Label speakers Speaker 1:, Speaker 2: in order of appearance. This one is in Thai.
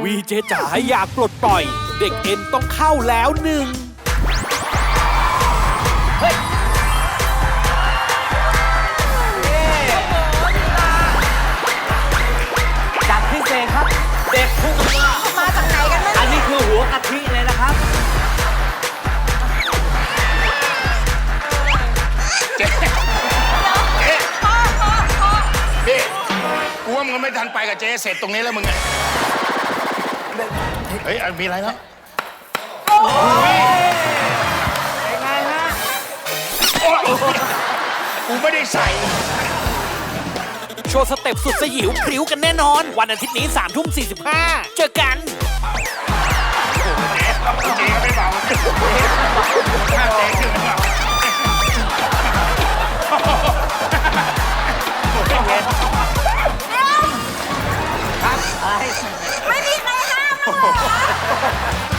Speaker 1: วีเจจ๋าอยากปลดปล่อย เด็กเอ็นต้องเข้าแล้วหนึ่ง
Speaker 2: จากพิเศษครับเด็กทุกคนมาจากไหนกันอันนี้คือหัวกะทิเลยนะครับ
Speaker 3: เจ๊พี่กูว่ามึงไม่ทันไปกับเจ๊เสร็จตรงนี้แล้วมึงเฮ้ยมีอะไรแล้ว
Speaker 2: เป็นไงฮะ
Speaker 3: กูไม่ได้ใส่
Speaker 1: โชว์สเต็ปสุดสยิวพริ้วกันแน่นอน วันอาทิตย์นี้3:45 เจอกัน
Speaker 3: เจ๊ไม่เบาเจ๊ขึ้นไม่เบา
Speaker 2: ไม่มีใครห้ามเลย